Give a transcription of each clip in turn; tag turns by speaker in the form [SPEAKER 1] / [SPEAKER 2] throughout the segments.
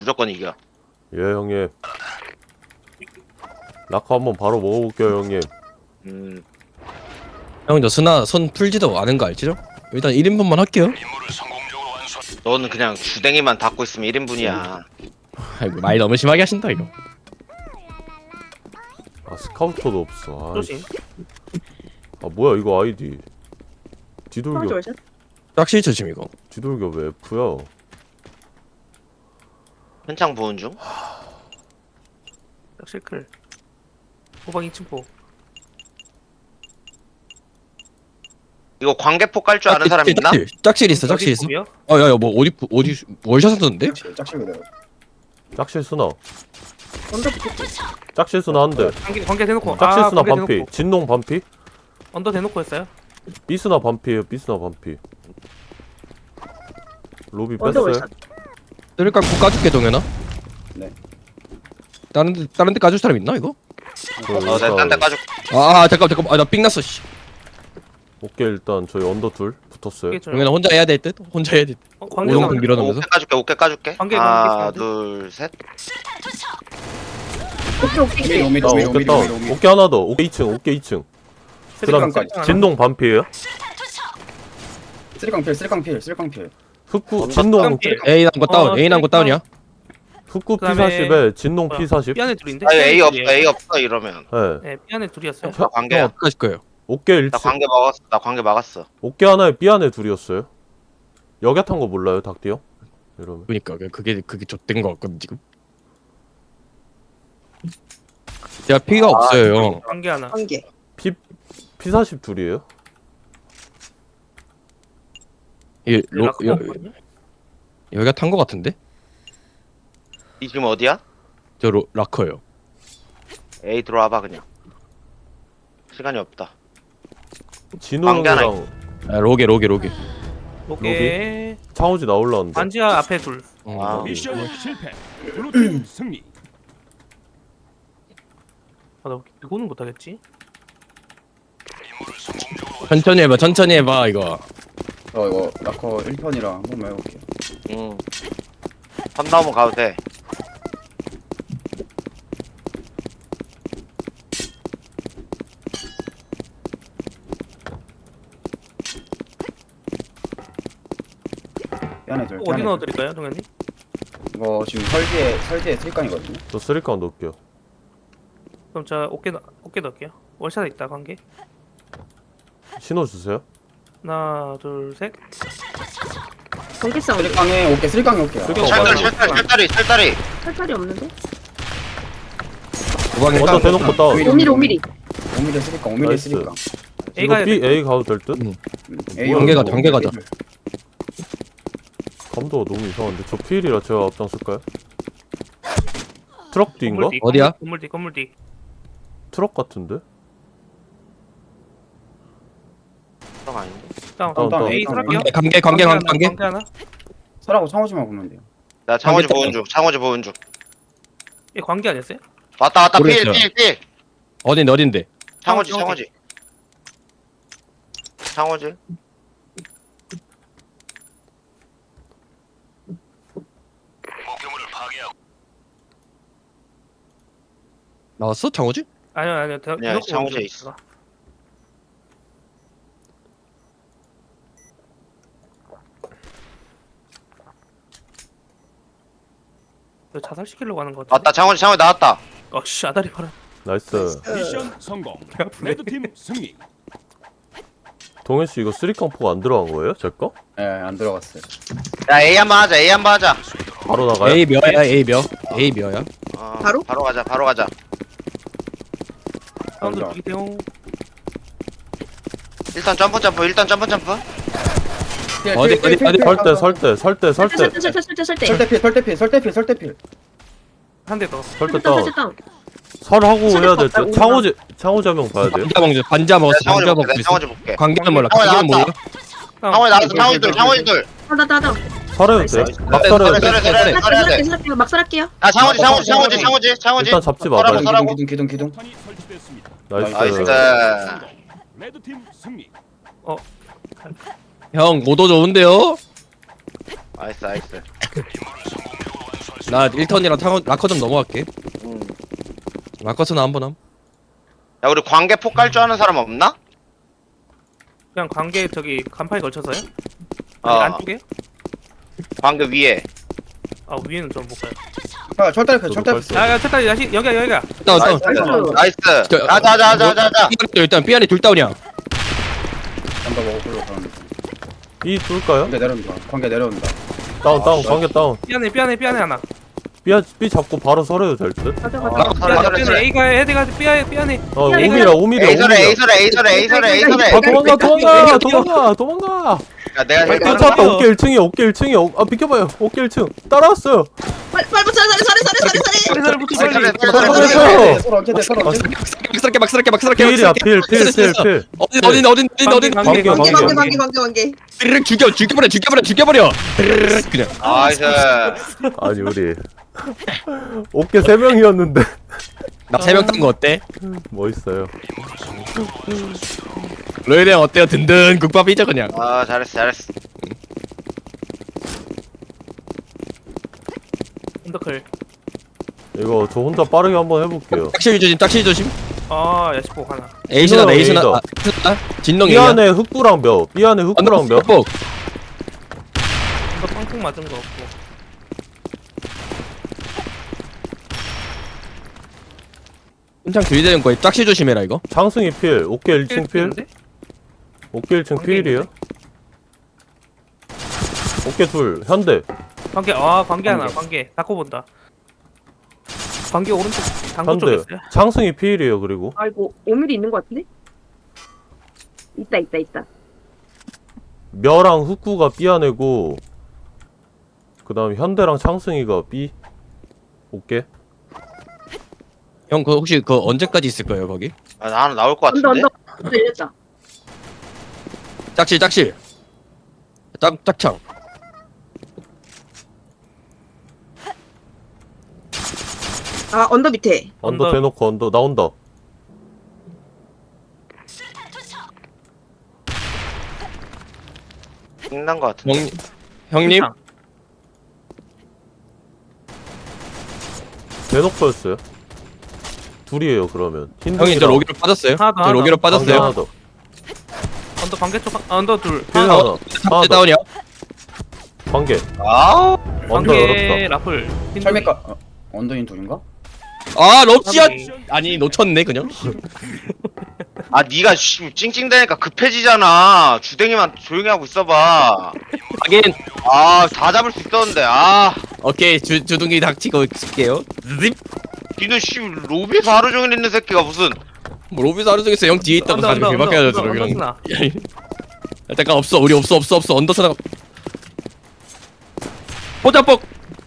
[SPEAKER 1] 무조건 이겨.
[SPEAKER 2] 예 형님. 낙하 한번 바로 먹어볼게요 형님.
[SPEAKER 3] 형 저 스나 손 풀지도 않은 거 알지죠? 일단 1인분만 할게요.
[SPEAKER 1] 너는 그냥 주댕이만 닫고 있으면 1인분이야.
[SPEAKER 3] 아이고 말 너무 심하게 하신다 이거.
[SPEAKER 2] 아 스카우터도 없어.
[SPEAKER 4] 조심.
[SPEAKER 2] 아 뭐야 이거 아이디. 뒤돌겨.
[SPEAKER 5] 조심.
[SPEAKER 3] 짝실 조심 이거.
[SPEAKER 2] 뒤돌겨 왜 F야?
[SPEAKER 1] 현창 보은 중.
[SPEAKER 4] 실클. 호박 2층 포.
[SPEAKER 1] 이거 광개포 깔 줄 아는 사람 있나?
[SPEAKER 3] 짝실 있어 짝실 있어.
[SPEAKER 4] 어디 포비야?
[SPEAKER 3] 야야 뭐 어디 월샷 썼는데?
[SPEAKER 6] 짝실 그대로.
[SPEAKER 2] 짝실 수나.
[SPEAKER 5] 언더 붙였지.
[SPEAKER 2] 짝실 수나 한 대.
[SPEAKER 4] 관계 대놓고.
[SPEAKER 2] 짝실 수나
[SPEAKER 4] 관계
[SPEAKER 2] 반피.
[SPEAKER 4] 대놓고.
[SPEAKER 2] 진농 반피.
[SPEAKER 4] 언더 대놓고 했어요?
[SPEAKER 2] B스나 반피에요. B스나 반피. 로비
[SPEAKER 5] 언더
[SPEAKER 2] 뺐어요.
[SPEAKER 5] 월샷.
[SPEAKER 3] 뜰 깎고 까줄게 동현아.
[SPEAKER 6] 네.
[SPEAKER 3] 다른 데 까줄 사람 있나 이거?
[SPEAKER 1] 내가 딴데 까줄.
[SPEAKER 3] 아 잠깐 나 삥 났어 씨.
[SPEAKER 2] 오케이 일단 저희 언더 둘 붙었어요.
[SPEAKER 3] 동현아 혼자 해야 될 듯? 혼자 해야 될 듯.
[SPEAKER 4] 관계
[SPEAKER 3] 오동풍
[SPEAKER 4] 나오네.
[SPEAKER 3] 밀어넣으면서.
[SPEAKER 1] 오케이 까줄게. 오케이 까줄게.
[SPEAKER 4] 관계,
[SPEAKER 1] 하나,
[SPEAKER 4] 관계.
[SPEAKER 1] 둘, 셋.
[SPEAKER 5] 오케이.
[SPEAKER 6] 오미리
[SPEAKER 2] 나
[SPEAKER 6] 오미리
[SPEAKER 2] 오케이
[SPEAKER 6] 오미리
[SPEAKER 2] 다운.
[SPEAKER 6] 오미리 오미리.
[SPEAKER 2] 오케이 하나 더. 오케이 2층. 오케이 2층. 그다음
[SPEAKER 6] 쓰리깡까지.
[SPEAKER 2] 진농 반피에요.
[SPEAKER 6] 쓰리깡필 쓰리깡필 쓰리깡필.
[SPEAKER 2] 흑구 진농
[SPEAKER 3] A 난거 다운. A 난거 다운이야.
[SPEAKER 2] 흑구
[SPEAKER 4] 그다음에
[SPEAKER 2] P40에 진농
[SPEAKER 4] 뭐야?
[SPEAKER 2] P40.
[SPEAKER 4] 삐 안에 둘인데?
[SPEAKER 1] 아 A 없어.
[SPEAKER 4] 둘이에요.
[SPEAKER 1] A 없어 이러면.
[SPEAKER 2] 네.
[SPEAKER 4] 네, 삐 안에 둘이었어요.
[SPEAKER 1] 나 관계야.
[SPEAKER 3] 어떻게 하실 거예요?
[SPEAKER 2] 오케이
[SPEAKER 1] 나
[SPEAKER 2] 1층.
[SPEAKER 1] 관계 막았어. 나 관계 막았어.
[SPEAKER 2] 어깨 하나에 B 안에 둘이었어요. 여기 탄 거 몰라요, 닭띠 형? 이러면
[SPEAKER 3] 그니까 그게 좆된 거 같거든 지금. 제가 피가 없어요 형.
[SPEAKER 4] 관계 하나.
[SPEAKER 5] 한 개.
[SPEAKER 2] P40 둘이에요?
[SPEAKER 3] 이게
[SPEAKER 4] 라커
[SPEAKER 3] 여,
[SPEAKER 4] 없거든요?
[SPEAKER 3] 여기가 탄 거 같은데?
[SPEAKER 1] 이 지금 어디야?
[SPEAKER 3] 저 라커요.
[SPEAKER 1] A 들어와봐 그냥. 시간이 없다.
[SPEAKER 2] 진웅이랑
[SPEAKER 3] 아, 로게.
[SPEAKER 4] 오케이.
[SPEAKER 2] 창호지 나올라는데.
[SPEAKER 4] 반지하 앞에 둘.
[SPEAKER 1] 아.
[SPEAKER 7] 미션 실패. 블루팀 승리.
[SPEAKER 4] 아, 나 이거는 못하겠지?
[SPEAKER 3] 천천히 해봐 이거.
[SPEAKER 6] 이거 라커 1편이랑 한 번만 해볼게요.
[SPEAKER 1] 응. 선 넘어 가도 돼.
[SPEAKER 6] 삐안에 둘.
[SPEAKER 4] 어디
[SPEAKER 6] 삐안에 둘.
[SPEAKER 4] 넣어드릴까요, 동현님?
[SPEAKER 6] 이거 지금 설지에 쓰리깡이거든요.
[SPEAKER 2] 저 쓰리깡 넣을게요.
[SPEAKER 4] 그럼 저 어깨 넣을게요. 월샷에 있다, 관계.
[SPEAKER 2] 신호 주세요.
[SPEAKER 4] 하나, 둘, 셋.
[SPEAKER 5] 전기 사운드.
[SPEAKER 6] 쓰리깡에 오케이 쓰리깡에 오케이.
[SPEAKER 2] 쓰리깡
[SPEAKER 1] 철다리
[SPEAKER 2] 맞아.
[SPEAKER 1] 철다리.
[SPEAKER 5] 탈탈이 없는데?
[SPEAKER 3] 도방에
[SPEAKER 2] 먼저 대놓고 다운.
[SPEAKER 5] 5mm 5mm.
[SPEAKER 6] 오미리 쓰리깡 오미리
[SPEAKER 2] 나이스.
[SPEAKER 6] 쓰리깡.
[SPEAKER 2] 이거 B A 가도 될 듯?
[SPEAKER 3] 관계 가자.
[SPEAKER 2] 감도가 너무 이상한데. 저 필이라 제가 앞장설까요? 트럭 뒤인가?
[SPEAKER 3] 어디야?
[SPEAKER 4] 건물 뒤.
[SPEAKER 2] 트럭 같은데?
[SPEAKER 1] 형 아닌데?
[SPEAKER 4] 다운.
[SPEAKER 2] 다운.
[SPEAKER 4] A 들어갈게요.
[SPEAKER 3] 관계
[SPEAKER 4] 하나.
[SPEAKER 6] 설하고 창호지만 보면 돼요.
[SPEAKER 1] 나 창호지
[SPEAKER 3] 관계
[SPEAKER 1] 보은 중. 창호지 보은 중.
[SPEAKER 4] 얘 관계 아니었어요?
[SPEAKER 1] 왔다 필.
[SPEAKER 3] 모르겠어요.
[SPEAKER 1] 필.
[SPEAKER 3] 어딘데?
[SPEAKER 1] 창호지.
[SPEAKER 4] 창호지.
[SPEAKER 1] 창호지.
[SPEAKER 3] 나왔어 창호지?
[SPEAKER 4] 아니요.
[SPEAKER 1] 아니야, 창호지에 있어.
[SPEAKER 4] 너 자살시키려고 하는 거 같아.
[SPEAKER 1] 왔다 창호지 나왔다.
[SPEAKER 4] 어씨, 아다리 봐라.
[SPEAKER 2] 나이스.
[SPEAKER 7] 미션 성공. 레드팀 승리.
[SPEAKER 2] 동현씨 이거 쓰리깡 포가 안 들어간 거예요? 제 거?
[SPEAKER 6] 예, 안 들어갔어요.
[SPEAKER 1] 야 A 한번 하자.
[SPEAKER 2] 바로 나가요?
[SPEAKER 3] A 몇야? A 몇야?
[SPEAKER 5] 바로?
[SPEAKER 1] 바로 가자.
[SPEAKER 4] 사운드
[SPEAKER 6] 맞아.
[SPEAKER 4] 죽이세요.
[SPEAKER 1] 일단 점프.
[SPEAKER 3] 어디?
[SPEAKER 2] 설대.
[SPEAKER 6] 설대필.
[SPEAKER 4] 한 대 더.
[SPEAKER 2] 설대 다운.
[SPEAKER 5] 다운.
[SPEAKER 2] 설하고 해야 될
[SPEAKER 5] 설대
[SPEAKER 2] 듯.
[SPEAKER 5] 다운.
[SPEAKER 2] 창호지 한 명 봐야 돼요.
[SPEAKER 3] 반자 먹었어.
[SPEAKER 1] 창호지
[SPEAKER 3] 반자
[SPEAKER 1] 볼게.
[SPEAKER 3] 먹고 있어.
[SPEAKER 1] 창호지 볼게.
[SPEAKER 3] 관계는 몰라.
[SPEAKER 1] 창호지
[SPEAKER 3] 관계는 몰라.
[SPEAKER 1] 나왔다. 창호지 둘.
[SPEAKER 5] 나나.
[SPEAKER 2] 설해도 돼.
[SPEAKER 5] 나이스.
[SPEAKER 2] 막 설해도 돼.
[SPEAKER 1] 설해야
[SPEAKER 5] 막 살할게요.
[SPEAKER 1] 아 창호지.
[SPEAKER 2] 일단 잡지 마봐요.
[SPEAKER 1] 설하고.
[SPEAKER 6] 기둥.
[SPEAKER 7] 탄이 설치됐습니다.
[SPEAKER 2] 나이스.
[SPEAKER 7] 레드팀 승리.
[SPEAKER 3] 형 모도 좋은데요?
[SPEAKER 1] 나이스.
[SPEAKER 3] 나 1턴이랑 라커 좀 넘어갈게.
[SPEAKER 1] 음.
[SPEAKER 3] 라커스는 한번 함.
[SPEAKER 1] 야 우리 관계 폭 깔 줄 아는 사람 없나?
[SPEAKER 4] 그냥 관계 저기 간판에 걸쳐서요?
[SPEAKER 1] 어.
[SPEAKER 4] 아니, 안쪽에?
[SPEAKER 1] 관계 위에.
[SPEAKER 4] 아 위에는 좀 못 가요.
[SPEAKER 6] 아, 철다리 패,
[SPEAKER 2] 저도
[SPEAKER 6] 철다리
[SPEAKER 2] 뺐어.
[SPEAKER 6] 패.
[SPEAKER 4] 야야 됐다 여기야 여기야.
[SPEAKER 3] 다운 다운.
[SPEAKER 1] 나이스.
[SPEAKER 3] 저-
[SPEAKER 1] 자자자자자자.
[SPEAKER 3] 일단 B 안에 둘 다운이야.
[SPEAKER 6] 잠깐 먹어보려고 그러는데.
[SPEAKER 2] B 뚫을까요?
[SPEAKER 6] 관계 내려온다. 관계 내려온다.
[SPEAKER 2] 다운 관계 다운.
[SPEAKER 4] 삐안에 하나.
[SPEAKER 2] B 잡고 바로 설해도 될 듯?
[SPEAKER 5] 가자
[SPEAKER 1] 아,
[SPEAKER 5] 가자.
[SPEAKER 1] 설해.
[SPEAKER 4] A가 헤드가 삐안에.
[SPEAKER 2] 오미라
[SPEAKER 1] 에이설에 에이설에.
[SPEAKER 2] 아 도망가.
[SPEAKER 1] 야 내가
[SPEAKER 2] 저
[SPEAKER 1] 헬
[SPEAKER 2] 찾다 어깨 1층에 아 비켜봐요 어깨 1층 따라왔어요.
[SPEAKER 5] 빨리 붙여 사리.
[SPEAKER 4] 헤드를 붙여
[SPEAKER 1] 에이설에
[SPEAKER 4] 빨리.
[SPEAKER 1] 에이설에.
[SPEAKER 6] 서로 언제 돼? 서로 언제 돼?
[SPEAKER 3] 막 쓰럽게.
[SPEAKER 2] 필이야 필.
[SPEAKER 3] 어딘.
[SPEAKER 4] 관계.
[SPEAKER 5] 관계.
[SPEAKER 3] 드르륵 죽여버려. 드르륵 그냥.
[SPEAKER 1] 나이스.
[SPEAKER 2] 아니 우리 어깨 3명이었는데
[SPEAKER 3] 나 3명 딴 거 어때?
[SPEAKER 2] 멋있어요.
[SPEAKER 3] 로이드 형 어때요? 든든 국밥이죠 그냥.
[SPEAKER 1] 아 잘했어.
[SPEAKER 4] 언더클.
[SPEAKER 2] 이거 저 혼자 빠르게 한번 해볼게요.
[SPEAKER 3] 딱실 조심.
[SPEAKER 4] 아 야시폭 하나.
[SPEAKER 3] 에이스나 레이스나
[SPEAKER 2] 에이더.
[SPEAKER 3] 진동
[SPEAKER 2] B
[SPEAKER 3] A야.
[SPEAKER 2] 안에 흑구랑 몇 B 안에 흑구랑 몇
[SPEAKER 3] 뻑.
[SPEAKER 4] 언더 팡풍 맞은 거 없고.
[SPEAKER 3] 혼장 들이대는 거에 짝실 조심해라 이거.
[SPEAKER 2] 장승이 필 어깨 1층 필 어깨 1층
[SPEAKER 4] 관계
[SPEAKER 2] 필이에요. 어깨 둘 현대
[SPEAKER 4] 관계 하나 관계 닫고 본다. 관계 오른쪽 당구
[SPEAKER 2] 현대
[SPEAKER 4] 쪽에 있어요.
[SPEAKER 2] 장승이 필이에요. 그리고
[SPEAKER 5] 아이고 5mm 있는 것 같은데? 있다.
[SPEAKER 2] 멸랑 흑구가 B 안에고 그 다음 현대랑 창승이가 B 어깨
[SPEAKER 3] 형 그 혹시 그 언제까지 있을 거예요 거기?
[SPEAKER 1] 아 나는 나올 것
[SPEAKER 5] 언더
[SPEAKER 1] 같은데.
[SPEAKER 5] 열렸다.
[SPEAKER 3] 짝실. 짝창.
[SPEAKER 5] 아 언더 밑에.
[SPEAKER 2] 언더
[SPEAKER 4] 언더.
[SPEAKER 2] 대놓고 언더 나온다.
[SPEAKER 1] 끝난 것 같은데.
[SPEAKER 3] 형님.
[SPEAKER 2] 대놓고였어요. 둘이에요 그러면.
[SPEAKER 3] 형님 저 로기로 빠졌어요.
[SPEAKER 4] 하나 더,
[SPEAKER 3] 저
[SPEAKER 4] 하나
[SPEAKER 3] 로기로
[SPEAKER 4] 더.
[SPEAKER 2] 관계
[SPEAKER 3] 빠졌어요.
[SPEAKER 2] 하나 더.
[SPEAKER 4] 언더 관계 쪽 언더 둘.
[SPEAKER 2] 필
[SPEAKER 4] 하나
[SPEAKER 2] 하나.
[SPEAKER 4] 더.
[SPEAKER 2] 하나 더.
[SPEAKER 3] 다운이야.
[SPEAKER 2] 관계
[SPEAKER 1] 아우.
[SPEAKER 2] 언더
[SPEAKER 4] 관계
[SPEAKER 2] 열었다.
[SPEAKER 4] 라플.
[SPEAKER 6] 철맥가 언더인 둘인가?
[SPEAKER 3] 아 럽시아. 아니 놓쳤네 그냥.
[SPEAKER 1] 아 니가 찡찡대니까 급해지잖아. 주댕이만 조용히 하고 있어봐.
[SPEAKER 3] 하긴.
[SPEAKER 1] 아 다 잡을 수 있었는데. 아
[SPEAKER 3] 오케이 주둥이 닥치고 있을게요. 립.
[SPEAKER 1] 니는 로비에서 하루 종일 있는 새끼가 무슨.
[SPEAKER 3] 뭐 로비스 하루 종일 형 뒤에 있다가 가지고 개밖에 안 하죠 로기랑.
[SPEAKER 4] 언더스나.
[SPEAKER 3] 잠깐 없어 우리 없어 언더스나. 포자뻑.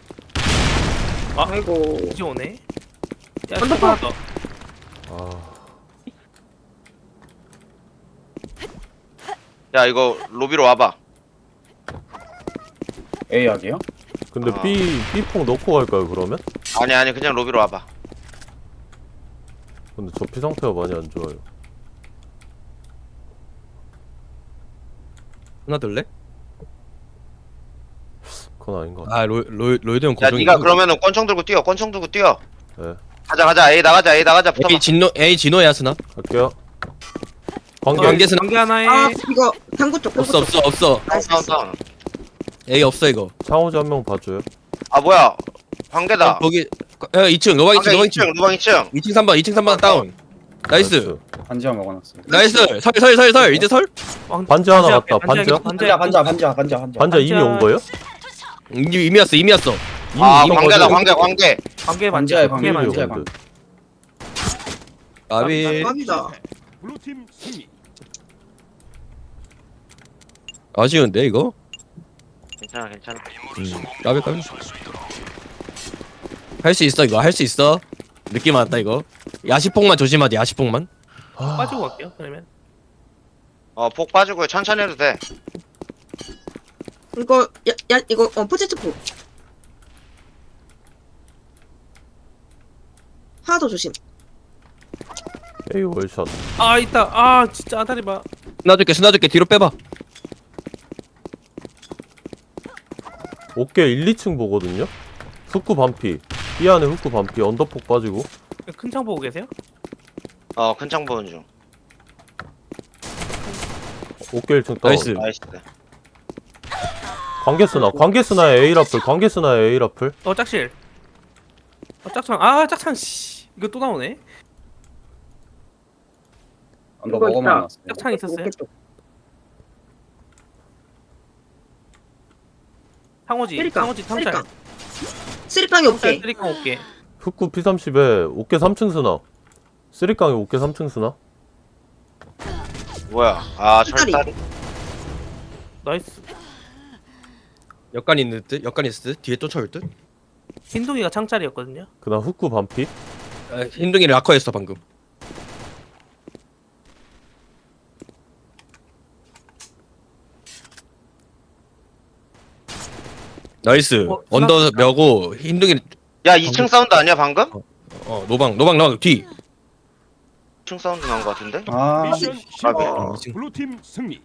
[SPEAKER 5] 아이고.
[SPEAKER 4] 이제 오네. 야
[SPEAKER 5] 언더
[SPEAKER 4] 하나 더.
[SPEAKER 2] 아
[SPEAKER 1] 야 이거 로비로 와봐.
[SPEAKER 6] A 약이요?
[SPEAKER 2] 근데
[SPEAKER 1] 아.
[SPEAKER 2] B폭 넣고 갈까요 그러면?
[SPEAKER 1] 아니 그냥 로비로 와봐.
[SPEAKER 2] 근데 저 피 상태가 많이 안 좋아요.
[SPEAKER 3] 하나 들래?
[SPEAKER 2] 그건 아닌 것 같아.
[SPEAKER 3] 아 로이드 형
[SPEAKER 1] 야
[SPEAKER 3] 고정이.
[SPEAKER 1] 니가 그러면은 권총 들고 뛰어. 권총 들고 뛰어.
[SPEAKER 2] 네
[SPEAKER 1] 가자 A 나가자 붙어봐.
[SPEAKER 3] A 진호야 스나.
[SPEAKER 2] 갈게요. 관계
[SPEAKER 3] 관계는
[SPEAKER 4] 관계 하나에.
[SPEAKER 5] 아 이거 당구 쪽.
[SPEAKER 3] 없어.
[SPEAKER 1] 다운.
[SPEAKER 3] A 없어 이거.
[SPEAKER 2] 창호지 한 명 봐줘요.
[SPEAKER 1] 아 뭐야? 관계다.
[SPEAKER 3] 거기 2층 로방 2층 로방 2층.
[SPEAKER 1] 로방 2층.
[SPEAKER 3] 2층 3번 다운. 나이스.
[SPEAKER 6] 반지하 먹어놨어요.
[SPEAKER 3] 나이스. 설 이제 설.
[SPEAKER 2] 반지 하나 갔다. 반지야?
[SPEAKER 6] 반지하.
[SPEAKER 2] 반지 이미 온 거예요?
[SPEAKER 3] 이미 왔어.
[SPEAKER 1] 아
[SPEAKER 3] 이미
[SPEAKER 1] 관계다
[SPEAKER 3] 거기-
[SPEAKER 1] 관계.
[SPEAKER 4] 관계
[SPEAKER 6] 반지하에
[SPEAKER 4] 관계
[SPEAKER 6] 관계,
[SPEAKER 4] 관계.
[SPEAKER 6] 관계.
[SPEAKER 3] 아비.
[SPEAKER 5] 깜이다.
[SPEAKER 7] 블루팀 승리.
[SPEAKER 3] 아쉬운데 이거.
[SPEAKER 1] 괜찮아.
[SPEAKER 3] 까비. 할 수 있어 이거 할 수 있어. 느낌 왔다 이거. 야시폭만 조심하지 야시폭만.
[SPEAKER 4] 빠지고 갈게요. 그러면.
[SPEAKER 1] 폭 빠지고 천천히 해도 돼.
[SPEAKER 5] 이거 이거 포체트 포. 하나 더 조심.
[SPEAKER 2] A 월샷.
[SPEAKER 4] 아 있다. 아 진짜 아다리 봐.
[SPEAKER 3] 스나줄게 뒤로 빼봐.
[SPEAKER 2] 어깨 1, 2층 보거든요? 흑구 반피. 이 안에 흑구 반피. 언더폭 빠지고.
[SPEAKER 4] 큰 창 보고 계세요?
[SPEAKER 1] 큰 창 보는 중.
[SPEAKER 2] 어깨 1층 다운.
[SPEAKER 3] 나이스.
[SPEAKER 1] 나이스.
[SPEAKER 2] 관계스나. 관계스나의 A라플. 관계스나의 A라플.
[SPEAKER 4] 짝실. 짝창. 아 짝창 씨. 이거 또 나오네.
[SPEAKER 6] 언더
[SPEAKER 5] 이거
[SPEAKER 6] 먹어만
[SPEAKER 5] 있다.
[SPEAKER 6] 놨어요.
[SPEAKER 4] 짝창 있었어요? 상호지.
[SPEAKER 5] 쓰리깡.
[SPEAKER 4] 상호지 탐찰.
[SPEAKER 5] 쓰리깡. 쓰리깡이 오케이.
[SPEAKER 4] 쓰리깡 올게.
[SPEAKER 2] 흑구 P30에 어깨 3층 스나. 쓰리깡에 어깨 3층 스나.
[SPEAKER 1] 뭐야?
[SPEAKER 5] 철다리.
[SPEAKER 1] 철다리.
[SPEAKER 4] 나이스.
[SPEAKER 3] 역간 있는 듯. 역간 있을 듯. 뒤에 쫓아올 듯.
[SPEAKER 4] 흰둥이가 창짤이었거든요.
[SPEAKER 2] 그 다음 흑구 반피.
[SPEAKER 3] 흰둥이 라커였어 방금. 나이스. 언더 며고 흰둥이
[SPEAKER 1] 야 2층 사운드 아니야 방금?
[SPEAKER 3] 노방 뒤.
[SPEAKER 1] 2층 사운드 난 거 같은데?
[SPEAKER 6] 아,
[SPEAKER 7] 미션 실패.
[SPEAKER 3] 아.
[SPEAKER 7] 블루팀 승리.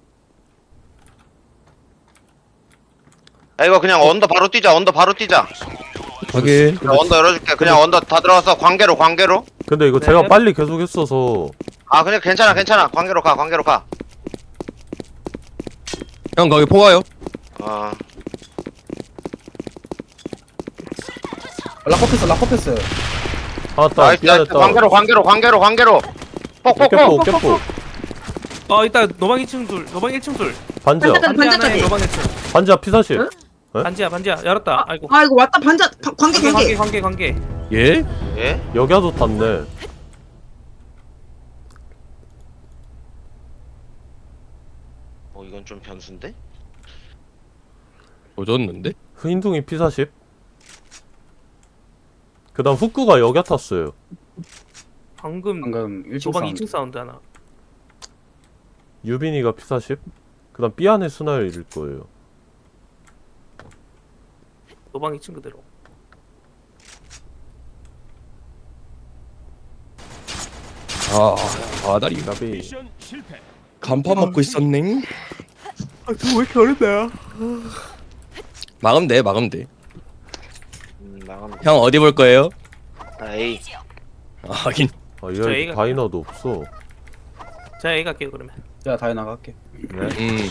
[SPEAKER 1] 야 이거 그냥 언더 바로 뛰자. 언더 바로 뛰자.
[SPEAKER 3] 확인.
[SPEAKER 1] 야, 언더 열어줄게. 그냥 언더 다 들어가서 관계로.
[SPEAKER 2] 근데 이거
[SPEAKER 4] 네.
[SPEAKER 2] 제가 빨리 계속 했어서
[SPEAKER 1] 그냥 괜찮아. 관계로 가.
[SPEAKER 3] 형 거기 포가요.
[SPEAKER 6] 라커패스.
[SPEAKER 2] 아따
[SPEAKER 1] 나이스.
[SPEAKER 2] 미안했다.
[SPEAKER 1] 관계로. 폭.
[SPEAKER 2] 깨포.
[SPEAKER 4] 이따 노방 2층 둘. 노방 1층 둘.
[SPEAKER 2] 반지야.
[SPEAKER 5] 반지야.
[SPEAKER 4] 반지 하나에
[SPEAKER 5] 반지까지.
[SPEAKER 4] 노방 1층.
[SPEAKER 2] 반지야 P40. 네?
[SPEAKER 4] 반지야. 열었다. 아이고.
[SPEAKER 5] 아 이거 왔다 반자 관계.
[SPEAKER 4] 관계.
[SPEAKER 3] 예?
[SPEAKER 1] 예?
[SPEAKER 2] 여기도 탔네.
[SPEAKER 1] 이건 좀 변수인데?
[SPEAKER 3] 조졌는데?
[SPEAKER 2] 흰둥이 P40. 그 다음 흑구가 여기 탔어요.
[SPEAKER 4] 방금
[SPEAKER 6] 방금 1층
[SPEAKER 4] 노방
[SPEAKER 6] 사운드.
[SPEAKER 4] 2층 사운드 하나.
[SPEAKER 2] 유빈이가 P40. 그 다음 B 안에 스나일 거예요.
[SPEAKER 4] 노방 2층 그대로.
[SPEAKER 3] 아다리
[SPEAKER 2] 나비.
[SPEAKER 7] 미션 실패.
[SPEAKER 3] 간판 먹고 있었네.
[SPEAKER 4] 왜 이렇게 어렵나요?
[SPEAKER 3] 막으면 돼.
[SPEAKER 1] 나가면
[SPEAKER 3] 형 어디 볼 거예요?
[SPEAKER 1] 에이.
[SPEAKER 3] 하긴.
[SPEAKER 2] 아
[SPEAKER 4] 저
[SPEAKER 2] 얘
[SPEAKER 4] A가
[SPEAKER 2] 다이너도 없어.
[SPEAKER 4] 제가 A 갈게요 그러면.
[SPEAKER 6] 자, 다이 나갈게.
[SPEAKER 2] 네.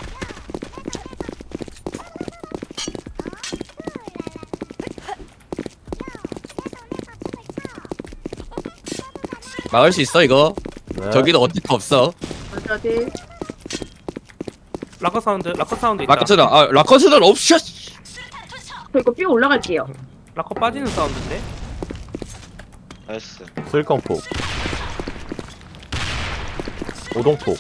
[SPEAKER 3] 막을 수 있어 이거.
[SPEAKER 2] 네.
[SPEAKER 3] 저기도 어떻게 없어.
[SPEAKER 5] 어디?
[SPEAKER 4] 라커 사운드 있다.
[SPEAKER 3] 라커스는 없어.
[SPEAKER 5] 저 이거 삐 올라갈게요.
[SPEAKER 4] 라커 빠지는 사운드인데.
[SPEAKER 1] 나이스.
[SPEAKER 2] 쓸깡폭. 오동폭.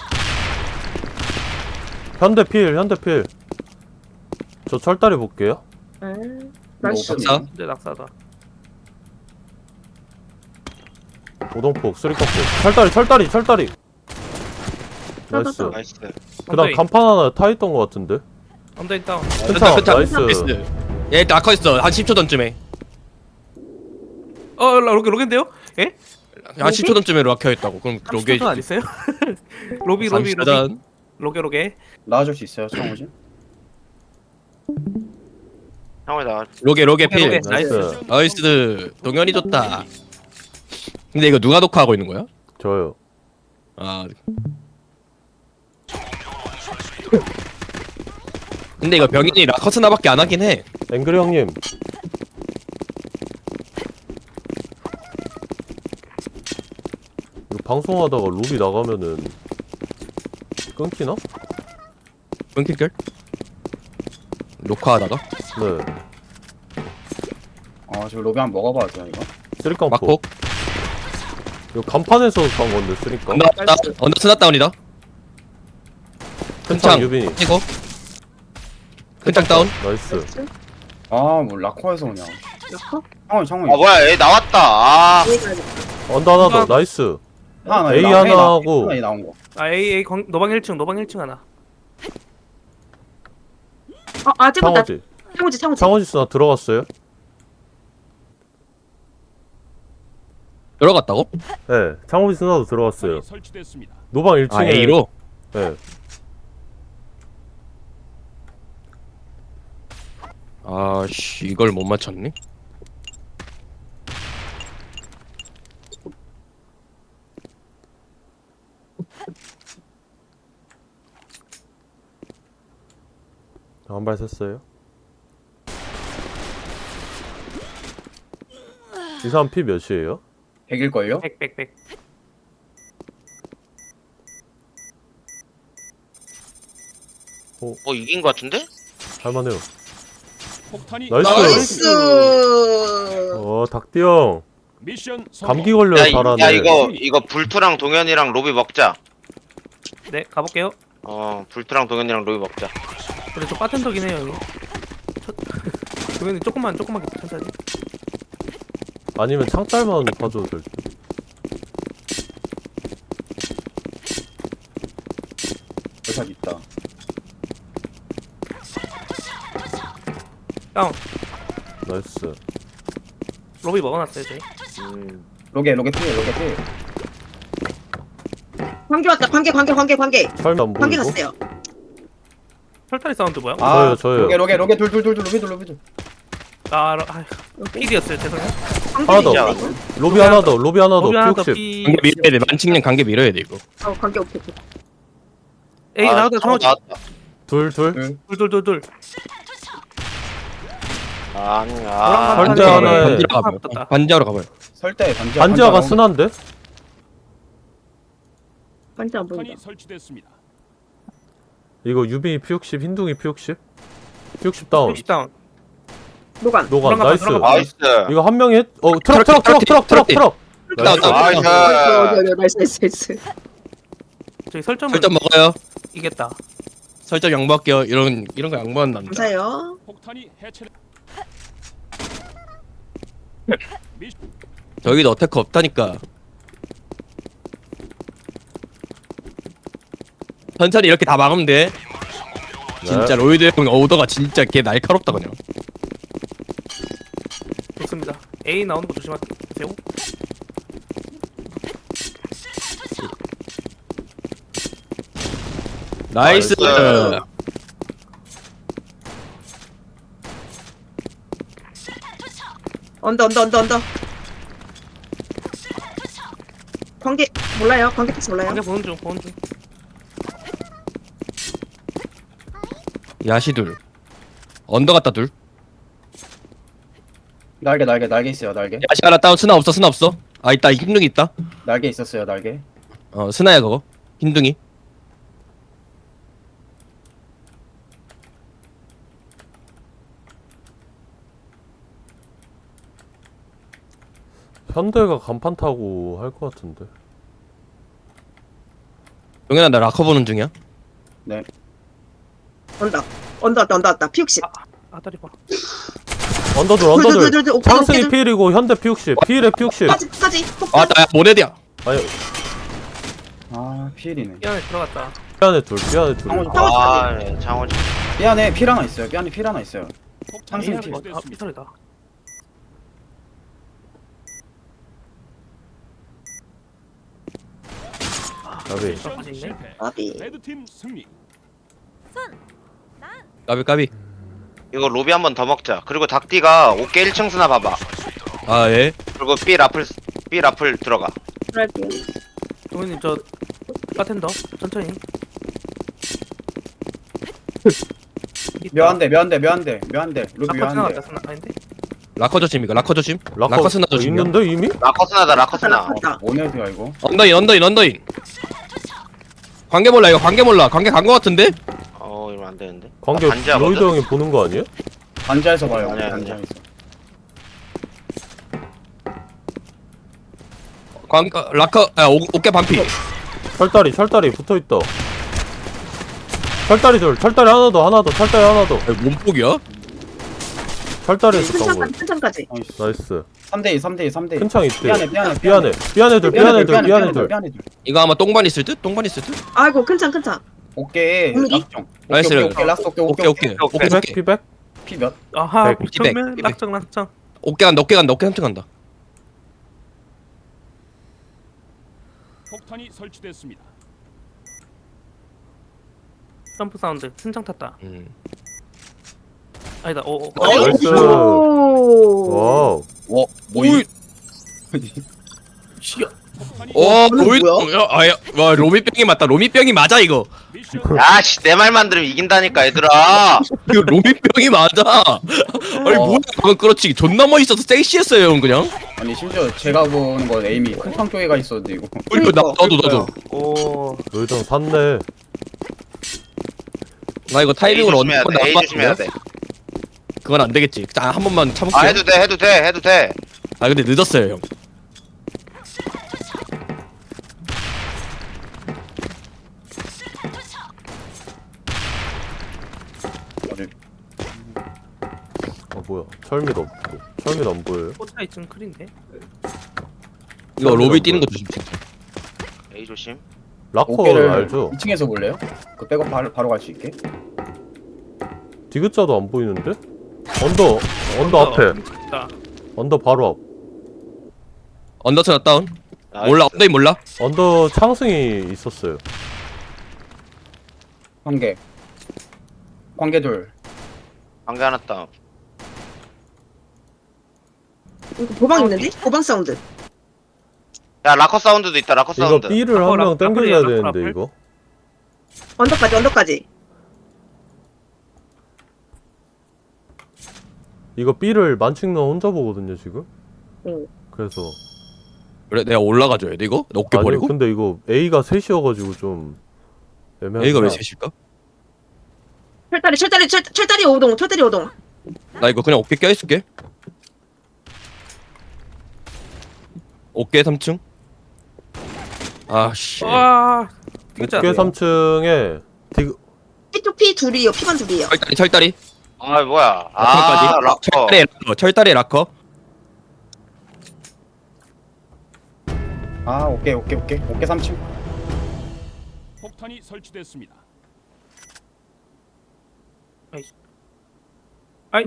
[SPEAKER 2] 현대필. 저 철다리 볼게요.
[SPEAKER 5] 나이스.
[SPEAKER 3] 낙사?
[SPEAKER 4] 근데 낙사다.
[SPEAKER 2] 오동폭, 쓰리깡폭. 철다리. 나이스.
[SPEAKER 1] 나이스.
[SPEAKER 2] 그 다음 간판 하나 타있던 것 같은데.
[SPEAKER 4] 언더인 다운.
[SPEAKER 2] 괜찮아, 나이스.
[SPEAKER 3] 얘 라커 있어. 한 10초 전쯤에.
[SPEAKER 4] 로겐데요? 예?
[SPEAKER 3] 한 10초 전쯤에 라커 있다고. 그럼 로게.
[SPEAKER 4] 30초 안 있어요? 로비. 로게.
[SPEAKER 6] 나와줄 수 있어요, 창호지?
[SPEAKER 1] 형이 나.
[SPEAKER 3] 로게 필.
[SPEAKER 2] 나이스.
[SPEAKER 3] 나이스. 동현이 좋다. 근데 이거 누가 녹화하고 있는 거야?
[SPEAKER 2] 저요.
[SPEAKER 3] 아. 근데 이거 병인이 라커스나밖에 안 하긴 해.
[SPEAKER 2] 앵그리 형님. 이거 방송하다가 로비 나가면은 끊기나?
[SPEAKER 3] 끊길걸? 녹화하다가?
[SPEAKER 2] 네.
[SPEAKER 6] 지금 로비 한번 먹어봐야 돼요, 이거.
[SPEAKER 2] 쓰리깡폭.
[SPEAKER 3] 막폭.
[SPEAKER 2] 이거 간판에서 간 건데 쓰리깡.
[SPEAKER 3] 언더 스나다운이다.
[SPEAKER 2] 큰창
[SPEAKER 3] 큰창
[SPEAKER 2] 유빈이.
[SPEAKER 3] 이거. 큰창 다운.
[SPEAKER 2] 나이스.
[SPEAKER 6] 뭐 라커에서 그냥.
[SPEAKER 5] 라커?
[SPEAKER 6] 창호이.
[SPEAKER 1] 뭐야 얘 나왔다.
[SPEAKER 5] A 가야겠다.
[SPEAKER 2] 언더 하나 더. 나이스.
[SPEAKER 6] 하나,
[SPEAKER 2] A 하나 하고.
[SPEAKER 6] A 나온 거.
[SPEAKER 4] A 노방 1층 하나.
[SPEAKER 5] 아직은 나
[SPEAKER 2] 창호지.
[SPEAKER 5] 창호지.
[SPEAKER 2] 창호지 스나 들어갔어요?
[SPEAKER 3] 들어갔다고?
[SPEAKER 2] 네. 창호지 스나도 들어갔어요.
[SPEAKER 7] 설치됐습니다.
[SPEAKER 2] 노방 1층에.
[SPEAKER 3] 아 A로?
[SPEAKER 2] 네.
[SPEAKER 3] 아씨 이걸 못 맞췄네.
[SPEAKER 2] 한 발 샜어요. 이 사람 피 몇이에요?
[SPEAKER 6] 100일걸요?
[SPEAKER 4] 100.
[SPEAKER 1] 이긴 거 같은데?
[SPEAKER 2] 할만해요.
[SPEAKER 7] 폭탄이
[SPEAKER 2] 나이스.
[SPEAKER 5] 나이스.
[SPEAKER 2] 닭띠 형.
[SPEAKER 7] 미션 성공.
[SPEAKER 2] 감기 걸려요, 잘하네.
[SPEAKER 1] 야 이거 불투랑 동현이랑 로비 먹자.
[SPEAKER 4] 네, 가볼게요.
[SPEAKER 1] 불투랑 동현이랑 로비 먹자.
[SPEAKER 4] 근데 저 바텐더긴 해요, 여기. 그러면 조금만 천천히.
[SPEAKER 2] 아니면 창딸만 봐줘도 될 듯.
[SPEAKER 6] 대사 있다.
[SPEAKER 4] 다운.
[SPEAKER 2] 나이스.
[SPEAKER 4] 로비 먹어놨어요, 저희.
[SPEAKER 6] 로게 필.
[SPEAKER 5] 관계 왔다. 관계.
[SPEAKER 2] 설마 안
[SPEAKER 5] 관계
[SPEAKER 2] 보이고?
[SPEAKER 5] 갔어요.
[SPEAKER 4] 털타리 사운드 뭐야?
[SPEAKER 2] 저요.
[SPEAKER 6] 로게 둘 로비.
[SPEAKER 4] 필이었어요, 죄송해요.
[SPEAKER 2] 하나 더. 로비 하나 더.
[SPEAKER 4] 로비 하나 더
[SPEAKER 2] P60.
[SPEAKER 4] P.
[SPEAKER 3] 관계 밀어야 돼. 만칭년 관계 밀어야 돼 이거.
[SPEAKER 5] 관계 오케이.
[SPEAKER 4] 에이, 나왔다, 정확히.
[SPEAKER 2] 둘.
[SPEAKER 4] 둘.
[SPEAKER 1] 아니야.
[SPEAKER 2] 설대 하나에
[SPEAKER 3] 반지하러 가봐요.
[SPEAKER 4] 붙었다.
[SPEAKER 3] 반지하러 가봐요.
[SPEAKER 6] 설대
[SPEAKER 2] 반지하가 순한데?
[SPEAKER 5] 관계 안 보인다.
[SPEAKER 7] 폭탄이 설치됐습니다.
[SPEAKER 2] 이거 유빈이 P60, 흰둥이 P60? P60 다운.
[SPEAKER 4] 60 다운.
[SPEAKER 5] 노간.
[SPEAKER 2] 노간
[SPEAKER 4] 들어가,
[SPEAKER 2] 나이스.
[SPEAKER 4] 들어가.
[SPEAKER 1] 나이스.
[SPEAKER 2] 이거 한 명이 했. 트럭.
[SPEAKER 3] 다운.
[SPEAKER 2] 나이스.
[SPEAKER 5] 나이스.
[SPEAKER 4] 저희 설정을
[SPEAKER 3] 설정 먹어요.
[SPEAKER 4] 이겼다.
[SPEAKER 3] 설정 양보할게요. 이런 거 양보하면 안 돼.
[SPEAKER 5] 감사해요.
[SPEAKER 7] 폭탄이 해체.
[SPEAKER 3] 저기도 어택커 없다니까. 천천히 이렇게 다 막으면 돼. 진짜 로이드 형 오더가 진짜 걔 날카롭다 그냥.
[SPEAKER 4] 좋습니다. A 나오는 거 조심하세요.
[SPEAKER 3] 나이스.
[SPEAKER 1] 나이스.
[SPEAKER 5] 언더. 관계 몰라요. 관계 택시 몰라요.
[SPEAKER 4] 관계 보는 중.
[SPEAKER 3] 야시 둘. 언더 갔다 둘.
[SPEAKER 6] 날개 있어요. 날개.
[SPEAKER 3] 야시 하나 다운. 스나 없어. 아 있다. 흰둥이 있다.
[SPEAKER 6] 날개 있었어요. 날개.
[SPEAKER 3] 스나야 그거. 흰둥이.
[SPEAKER 2] 현대가 간판 타고 할 것 같은데.
[SPEAKER 3] 용현아 나 라커 보는 중이야.
[SPEAKER 5] 언더 왔다. P60.
[SPEAKER 4] 아다리 봐.
[SPEAKER 2] 언더들.
[SPEAKER 5] 둘.
[SPEAKER 2] 창승이 P1이고 현대 P60. P1에 P60.
[SPEAKER 5] 까지.
[SPEAKER 3] 아 나 모네드야.
[SPEAKER 2] 아니
[SPEAKER 6] 피일이네.
[SPEAKER 4] 이 안에 들어갔다.
[SPEAKER 2] 삐안에 둘.
[SPEAKER 1] 장호지.
[SPEAKER 6] 삐안에 필 하나 있어요.
[SPEAKER 7] 폭탄이
[SPEAKER 6] 창승
[SPEAKER 7] 설치됐습니다.
[SPEAKER 4] 피설이다.
[SPEAKER 2] 나비.
[SPEAKER 7] 미션 실패.
[SPEAKER 5] 아비.
[SPEAKER 7] 레드팀 승리.
[SPEAKER 3] 까비.
[SPEAKER 1] 이거 로비 한 번 더 먹자. 그리고 닭띠가 어깨 1층 스나 봐봐.
[SPEAKER 3] 아 예.
[SPEAKER 1] 그리고 B 라플 들어가.
[SPEAKER 5] 그럴게요.
[SPEAKER 4] 동현님 저 바텐더 천천히.
[SPEAKER 6] 묘한데. 로비
[SPEAKER 4] 아까
[SPEAKER 6] 묘한데.
[SPEAKER 4] 지나갔다. 아닌데?
[SPEAKER 3] 라커 조심 이거. 라커 조심. 라커 스나 조심.
[SPEAKER 2] 있는데 이미?
[SPEAKER 1] 라커스나다.
[SPEAKER 5] 맞다.
[SPEAKER 6] 모네드야 이거.
[SPEAKER 3] 언더인. 관계 몰라 이거. 관계 간 거 같은데?
[SPEAKER 1] 이러면 안 되는데.
[SPEAKER 2] 관계
[SPEAKER 1] 반지하거든?
[SPEAKER 2] 로이드 형이 보는 거 아니에요?
[SPEAKER 6] 반지에서 봐요.
[SPEAKER 1] 아니야.
[SPEAKER 6] 반지에서.
[SPEAKER 3] 라커 어깨 반피.
[SPEAKER 2] 철다리 붙어있다. 철다리 하나 더.
[SPEAKER 3] 몸폭이야?
[SPEAKER 2] 철다리에서 간 거야.
[SPEAKER 5] 큰창까지.
[SPEAKER 2] 나이스.
[SPEAKER 6] 3대2.
[SPEAKER 2] 큰 창 있대.
[SPEAKER 6] 삐안에
[SPEAKER 2] 둘.
[SPEAKER 3] 이거 아마 똥반 있을 듯?
[SPEAKER 5] 아이고 큰창.
[SPEAKER 6] 어깨에
[SPEAKER 5] 오늘이?
[SPEAKER 6] 락정.
[SPEAKER 3] 나이스.
[SPEAKER 6] 오케이 라스트
[SPEAKER 3] 오케이.
[SPEAKER 2] 피백?
[SPEAKER 6] 피 몇?
[SPEAKER 4] 아하.
[SPEAKER 3] 피백.
[SPEAKER 4] 정면 낙정.
[SPEAKER 3] 어깨 한층 간다.
[SPEAKER 7] 폭탄이 설치됐습니다.
[SPEAKER 4] 점프 사운드. 신장 탔다. 아니다.
[SPEAKER 2] 나이스.
[SPEAKER 5] 오.
[SPEAKER 2] 와우.
[SPEAKER 6] 뭐
[SPEAKER 3] 오이.
[SPEAKER 4] 시야.
[SPEAKER 3] 로이드 와 로미병이 맞다. 로미병이 맞아 이거.
[SPEAKER 7] 미션
[SPEAKER 1] 야씨 내 말만 들으면 이긴다니까 얘들아.
[SPEAKER 3] 이거 로미병이 맞아. 아니 뭐야 그건 그렇지. 존나 멋있어서 섹시했어요 형 그냥.
[SPEAKER 6] 아니 심지어 제가 보는 건 에임이 큰창 쪽에가 있었는데 이거.
[SPEAKER 3] 그리고 나도.
[SPEAKER 4] 오.
[SPEAKER 2] 노이정 샀네.
[SPEAKER 3] 나 이거 타이밍으로
[SPEAKER 1] A 조심해야 돼. A 조심해야 돼.
[SPEAKER 3] 그건 안 되겠지. 한 번만 참을게요.
[SPEAKER 1] 아 해도 돼.
[SPEAKER 3] 아 근데 늦었어요 형.
[SPEAKER 2] 뭐야? 철미도 없고. 철미도 안 보여요?
[SPEAKER 4] 포차 2층 클인데.
[SPEAKER 3] 이거 로비 뛰는 거 조심 진짜.
[SPEAKER 1] A 조심.
[SPEAKER 2] 라커
[SPEAKER 6] 어깨를
[SPEAKER 2] 알죠?
[SPEAKER 6] 2층에서 볼래요? 그 백업 바로 갈 수 있게.
[SPEAKER 2] 디귿자도 안 보이는데? 언더 앞에.
[SPEAKER 4] 자,
[SPEAKER 2] 언더 바로 앞.
[SPEAKER 3] 언더스나 다운.
[SPEAKER 1] 나이스.
[SPEAKER 3] 몰라 언더인 몰라.
[SPEAKER 2] 언더 창승이 있었어요.
[SPEAKER 6] 관계. 관계 둘.
[SPEAKER 1] 관계 하나 다운.
[SPEAKER 5] 이거 보방 있는데? 보방 사운드.
[SPEAKER 1] 야 라커 사운드도 있다. 라커
[SPEAKER 2] 이거
[SPEAKER 1] 사운드.
[SPEAKER 2] B를 한 명 땡겨줘야 되는데 이거.
[SPEAKER 5] 언더까지.
[SPEAKER 2] 이거 B를 만칭너 혼자 보거든요 지금.
[SPEAKER 5] 응.
[SPEAKER 2] 그래서
[SPEAKER 3] 그래 내가 올라가줘야 돼 이거? 나 어깨
[SPEAKER 2] 아니
[SPEAKER 3] 버리고?
[SPEAKER 2] 근데 이거 A가 셋이어가지고 좀 애매한.
[SPEAKER 3] A가 왜 셋일까?
[SPEAKER 5] 철다리 5동.
[SPEAKER 3] 나 이거 그냥 어깨 껴있을게. 어깨 3층. 아씨.
[SPEAKER 4] 와. 디귿자.
[SPEAKER 2] 어깨 3층에 디귿
[SPEAKER 5] P2P 둘이요. P반 둘이요.
[SPEAKER 3] 철다리.
[SPEAKER 1] 아 뭐야.
[SPEAKER 3] 라커까지.
[SPEAKER 1] 아 라커.
[SPEAKER 3] 철다리 라커.
[SPEAKER 6] 아 오케이 3층.
[SPEAKER 7] 폭탄이 설치됐습니다.
[SPEAKER 4] 아이.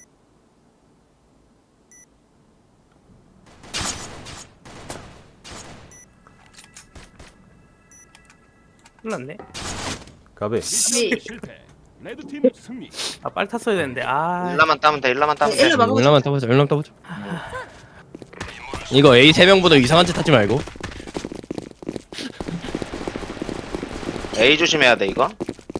[SPEAKER 4] 큰일났네.
[SPEAKER 2] 가베.
[SPEAKER 7] 미션 실패. 레드팀 승리.
[SPEAKER 4] 아 빨리 탔어야 되는데. 아.
[SPEAKER 1] 일라만 따면 돼. 일라만 따면 돼.
[SPEAKER 5] 일라 막아보자.
[SPEAKER 3] 열나만 따보자. 열나만 따보자. 이거 A 3명보다 이상한 짓 하지 말고.
[SPEAKER 1] A 조심해야 돼 이거.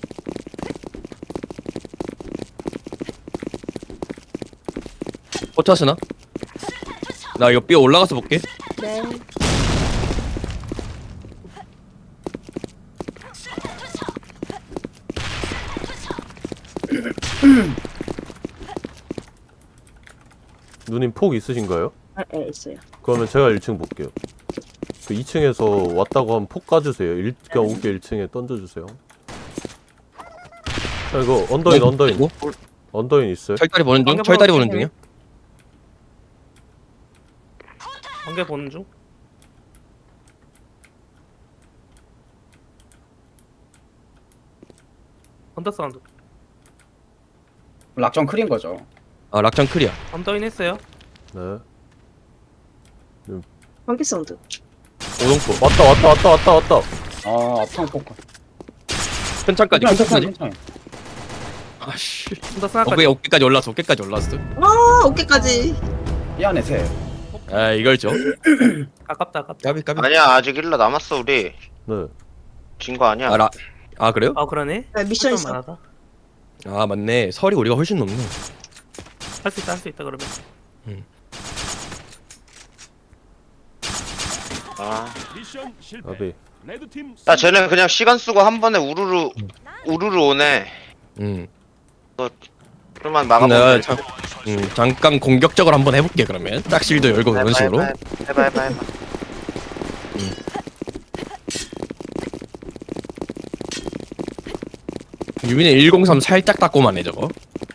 [SPEAKER 3] 포차스나? 나 이거 B 올라가서 볼게.
[SPEAKER 5] 네.
[SPEAKER 2] 누님 폭 있으신가요?
[SPEAKER 5] 네, 있어요.
[SPEAKER 2] 그러면 제가 1층 볼게요. 그 2층에서 왔다고 하면 폭 까주세요. 그냥 오게 1층에 던져주세요. 자, 이거 언더인.
[SPEAKER 3] 뭐?
[SPEAKER 2] 언더인 있어요?
[SPEAKER 3] 철다리 보는 중?
[SPEAKER 4] 관계
[SPEAKER 3] 철다리
[SPEAKER 4] 보러
[SPEAKER 3] 보는 중이야?
[SPEAKER 4] 관계 보는 중. 언더 사운드.
[SPEAKER 6] 락정 크린 거죠.
[SPEAKER 3] 아 락장 클리어.
[SPEAKER 4] 언더인 했어요.
[SPEAKER 2] 네.
[SPEAKER 5] 관계 사운드.
[SPEAKER 2] 오동포. 왔다.
[SPEAKER 6] 아 앞창 포커.
[SPEAKER 3] 큰 창까지. 큰 창까지.
[SPEAKER 6] 괜찮아.
[SPEAKER 3] 아씨.
[SPEAKER 4] 언더 스나까지.
[SPEAKER 3] 어깨까지 올랐어. 어깨까지 올랐어.
[SPEAKER 5] 어깨까지.
[SPEAKER 6] 이 안에 세.
[SPEAKER 3] 아 이걸죠.
[SPEAKER 4] 아깝다.
[SPEAKER 3] 까비.
[SPEAKER 1] 아니야 아직 일라 남았어 우리.
[SPEAKER 2] 네.
[SPEAKER 1] 진 거 아니야.
[SPEAKER 3] 아 그래요?
[SPEAKER 4] 아 그러네.
[SPEAKER 5] 네, 미션 있어.
[SPEAKER 4] 만하다.
[SPEAKER 3] 아 맞네. 설이 우리가 훨씬 높네.
[SPEAKER 4] 할 수 있다 그러면.
[SPEAKER 1] 아.
[SPEAKER 7] 미션 실패.
[SPEAKER 2] 가베.
[SPEAKER 7] 레드팀
[SPEAKER 1] 야
[SPEAKER 7] 승리.
[SPEAKER 1] 쟤는 그냥 시간 쓰고 한 번에 우르르 오네. 그러면
[SPEAKER 3] 내가
[SPEAKER 1] 막아보면 돼.
[SPEAKER 3] 잠깐 공격적으로 한번 해볼게 그러면. 짝실도 열고 그런 식으로.
[SPEAKER 1] 해봐.
[SPEAKER 3] 유민의 103 살짝 닦고만 해 저거.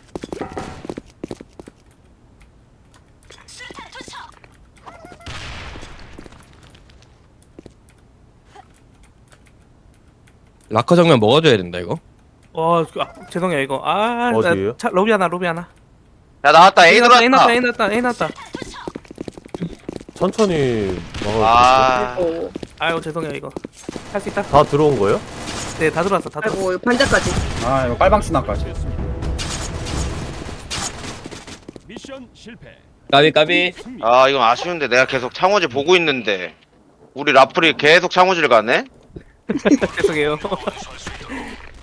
[SPEAKER 3] 라커 정면 먹어줘야 된다 이거.
[SPEAKER 4] 죄송해요 이거. 아,
[SPEAKER 2] 어디에요?
[SPEAKER 4] 로비 하나.
[SPEAKER 1] 야 나왔다 A 들어왔다.
[SPEAKER 4] A 났다.
[SPEAKER 2] 천천히 막아주세요.
[SPEAKER 1] 아.
[SPEAKER 4] 아유 죄송해요 이거. 할 수 있다.
[SPEAKER 2] 다 들어온 거예요?
[SPEAKER 4] 네, 다 들어왔어.
[SPEAKER 5] 아이고 반자까지.
[SPEAKER 6] 아 이거 빨방 스나까지.
[SPEAKER 7] 됐습니다. 실패.
[SPEAKER 8] 까비.
[SPEAKER 7] 승리.
[SPEAKER 1] 아 이건 아쉬운데 내가 계속 창호지 보고 있는데 우리 라플이 계속 창호지를 가네?
[SPEAKER 4] 죄송해요.